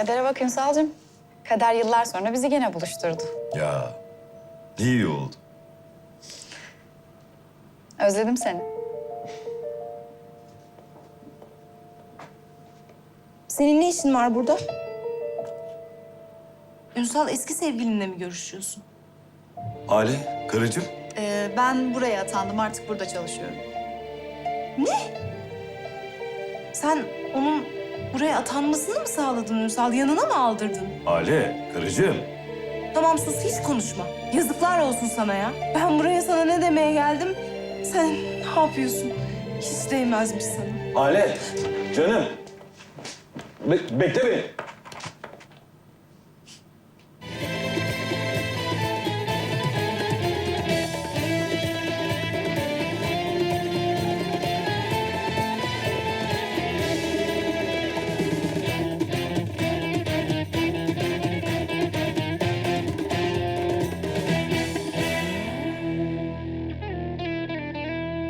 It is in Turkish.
Kadere bak Ünsal'cığım. Kader yıllar sonra bizi gene buluşturdu. Ya iyi oldu. Özledim seni. Senin ne işin var burada? Ünsal eski sevgilinle mi görüşüyorsun? Hale, karıcığım. Ben buraya atandım. Artık burada çalışıyorum. Sen onun buraya atanmasını mı sağladın Ünsal? Yanına mı aldırdın? Hale, karıcığım. Tamam sus, hiç konuşma. Yazıklar olsun sana ya. Ben buraya sana ne demeye geldim? Sen ne yapıyorsun? Hiç değmezmiş sana. Hale, canım. Bekle beni.